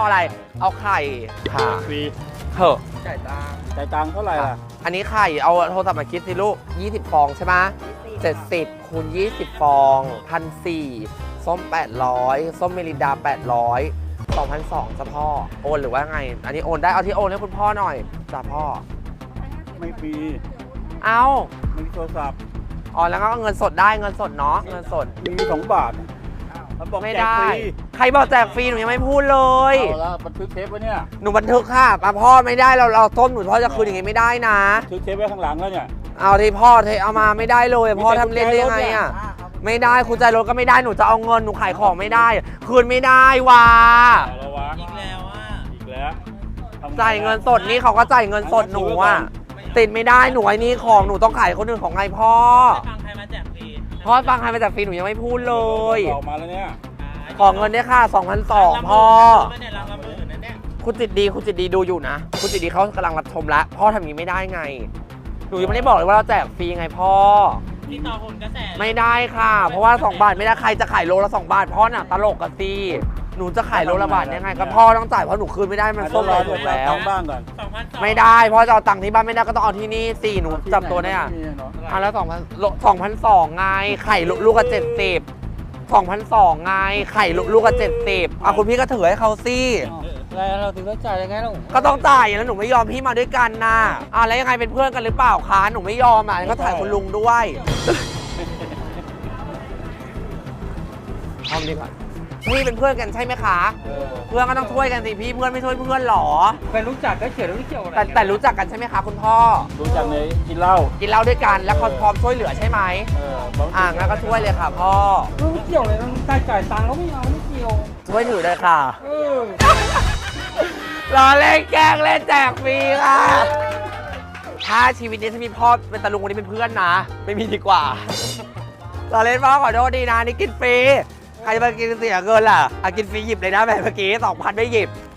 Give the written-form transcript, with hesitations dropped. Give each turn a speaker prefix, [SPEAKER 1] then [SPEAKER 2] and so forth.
[SPEAKER 1] อะไรเอาไข่ค่ะ
[SPEAKER 2] ฟรี
[SPEAKER 1] เถอะ
[SPEAKER 3] จ่ายตังค์
[SPEAKER 2] จ่ายตังค์เท่าไหร่ล่ะ
[SPEAKER 1] อันนี้ไข่เอาโทรศัพท์มาคิดสิลูก20 ฟองใช่ไหม70คูณ20 ฟอง1,400ส้ม800ส้มเมลินดา800 2,200จ้ะพ่อโอนหรือว่าไงอันนี้โอนได้เอาที่โอนให้คุณพ่อหน่อยจ้ะพ่อ
[SPEAKER 2] ไม่ฟรี
[SPEAKER 1] เอา
[SPEAKER 2] ไม่มีโทรศัพท์
[SPEAKER 1] อ๋อแล้วก็เงินสดได้เงินสดเนาะเงินสด
[SPEAKER 2] มี2 บาทมันบอก
[SPEAKER 1] ไม่
[SPEAKER 2] แจก
[SPEAKER 1] ได้
[SPEAKER 2] ฟรี
[SPEAKER 1] ใครบอกแจกฟรีหนูยังไม่พูดเลย
[SPEAKER 2] เอาละบันทึกเทปไว้เนี่ย
[SPEAKER 1] หนูบันทึกค่ะพ่อไม่ได้เราต้มหนูพ่อจะคืนอย่างงี้ไม่ได้นะ
[SPEAKER 2] บันทึกเทปไว้ข้างหลังแล้วเนี่ย
[SPEAKER 1] เอาที่พ่อเทเอามาไม่ได้เลยพ่อทำเล่นได้ยังไงอ่ะไม่ได้คุณใจรถก็ไม่ได้หนูจะเอาเงินหนูขายของไม่ได้คืนไม่ได้ว่ะ
[SPEAKER 2] เอาละวะ
[SPEAKER 3] อีกแล้วอ่ะ
[SPEAKER 2] อีกแล้วทำไ
[SPEAKER 1] จ่ายเงินสดนี่เขาก็จ่ายเงินสดหนูอ่ะติดไม่ได้หนูไอ้นี่ของหนูต้องขายคนอื่นของไงพ่อ
[SPEAKER 3] ฟังใครมาแจกฟรี
[SPEAKER 1] พ่อฟังใครมาจากฟรีหนูยังไม่พูดเลย
[SPEAKER 2] ออกมาแล้วเนี่ย
[SPEAKER 1] ขอเงินด้วยค่ะ2,200พ่อ
[SPEAKER 3] ไม่ได้รับมือนั่นเนี่ย
[SPEAKER 1] คุณจิตดีดูอยู่นะคุณจิตดีเขากำลังรับชมแล้วพ่อทำอย่างนี้ไม่ได้ไงหนูยังไม่ได้บอกเลยว่าเราแจกฟรีไงพ่อ
[SPEAKER 3] ที่ต่อผลกระแส
[SPEAKER 1] ไม่ได้ค่ะ เพราะว่า2 บาทไม่ได้ใครจะขายโลละ2 บาทพ่อน่ะตลกกันสิหนูจะขายโลละบาทยังไงก็พ่อต้องจ่ายเพราะหนูคืนไม่ได้มันส้ม
[SPEAKER 2] รอ
[SPEAKER 1] เรา
[SPEAKER 2] เดี๋
[SPEAKER 1] ถู
[SPEAKER 2] ยว
[SPEAKER 1] กแล้ว
[SPEAKER 2] ตังค์บ้างก่อน
[SPEAKER 3] 2,200
[SPEAKER 1] ไม่ได้พ่อจะเอาตังค์ที่บ้านไม่ได้ก็ต้องเอาที่นี่สิหนูจับตัวได้อ่ะ
[SPEAKER 2] ม่มีเนาะ
[SPEAKER 1] อ่ะแล้ว2,200ไงไข่ลูกละ70 2,200ไงไข่ลูกละ70อ่ะคุณพี่ก็ถือให้เขาสิ
[SPEAKER 3] แล้วเราถึงต้องจ่ายยังไงล่ะ
[SPEAKER 1] ก็ต้องจ่ายแล้วหนูไม่ยอมพี่มาด้วยกันนะอ่ะแล้วยังไงเป็นเพื่อนกันหรือเปล่าคะหนูไม่ยอมอ่ะก็ถ่ายคุณลุงด้วยทำดีกว่าพี่เป็นเพื่อนกันใช่ไหมคะ เพื่อนก็ต้องช่วยกันสิพี่เพื่อนไม่ช่วยเพื่อนหรอ
[SPEAKER 3] ไปรู้จักก็เขียนไม่เกี่ยวอะไร
[SPEAKER 1] แต่รู้จักกันใช่ไหมคะคุณพ่อ
[SPEAKER 2] รู้จักในกินเหล้า
[SPEAKER 1] กินเหล้าด้วยกันแล้วเขาพร้อมช่วยเหลือใช่ไหม
[SPEAKER 2] บอก
[SPEAKER 1] งั้นก็ช่วยเลยค่ะพ่อ
[SPEAKER 3] ไม่เกี่ยวเลยต้องจ่ายตังค์แล้วไม่เอาไม่เกี่ยว
[SPEAKER 1] ช่วยถือเลยค่ะ
[SPEAKER 3] เออ
[SPEAKER 1] รอเล่นแกล้งเล่นแจกฟรีค่ะถ้าชีวิตนี้ถ้ามีพ่อเป็นตาลุงคนนี้เป็นเพื่อนนะ ไม่มีดีกว่า รอเล่นพ่อขอโทษดีนะนี่กินฟรีใครจะมากินเสียเงินล่ะกินฟรีหยิบเลยนะแบบเมื่อกี้2,000ไม่หยิบ